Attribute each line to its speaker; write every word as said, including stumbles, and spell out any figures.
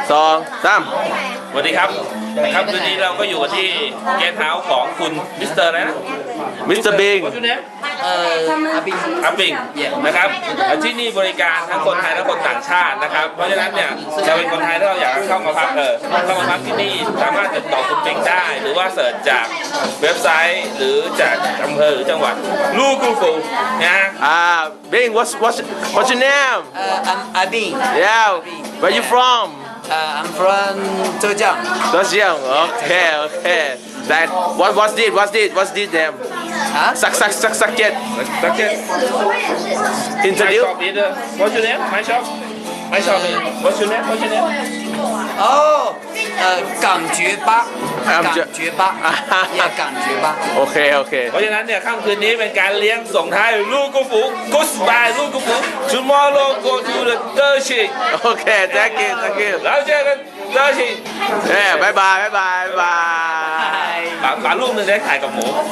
Speaker 1: สองสาม
Speaker 2: สวัสดีครับครับคืนนี้เราก็อยู่กันที่เกสต์เฮาส์ของคุณมิสเตอร์อะไรนะ
Speaker 1: มิสเตอร์บิง
Speaker 2: ว่าชื่อเนี้ย
Speaker 3: เอ่ออาบิง
Speaker 2: อัพปิงนะครับที่นี่บริการทั้งคนไทยและคนต่างชาตินะครับเพราะฉะนั้นเนี่ยเราเป็นคนไทยถ้าเราอยากเข้ามาพักเออเข้ามาพักที่นี่สามารถติดต่อคุณปิงได้ หรือว่าเสิร์ชจากเว็บไซต์หรือจากอำเภอหรือจังหวัดลูกูฟูนะฮะ
Speaker 1: อ่าบิง what's what's what's your name
Speaker 3: เอ่อ I'm Abing
Speaker 1: yeah where you from
Speaker 3: เอ่อ I'm from 浙江
Speaker 1: Zhejiang okay okay that what what's this what's this what's this name
Speaker 3: ฮะ
Speaker 1: suck suck suck suck it
Speaker 2: สักเก็ต My
Speaker 1: introduce
Speaker 2: shop leader What's your name My shop My shop leader What's your name What's your name
Speaker 3: 哦เอ่อ港觉吧
Speaker 1: 港
Speaker 3: 港
Speaker 1: 觉
Speaker 3: 觉吧也港觉吧
Speaker 1: โอเคโอเค
Speaker 2: เพราะฉะนั้นเนี่ยค่ำคืนนี้เป็นการเลี้ยงส่งท้ายลูกูฟู Goodbye ลูกูฟู Tomorrow go to the เตอร์ชิง
Speaker 1: โอเค thank you thank you
Speaker 2: แล้วเจอกันเตอร์ชิง
Speaker 1: เอ้บายบายบายบายบาย
Speaker 2: ป๋าป๋าลูกหนึ่งได้ถ่ายกับหมู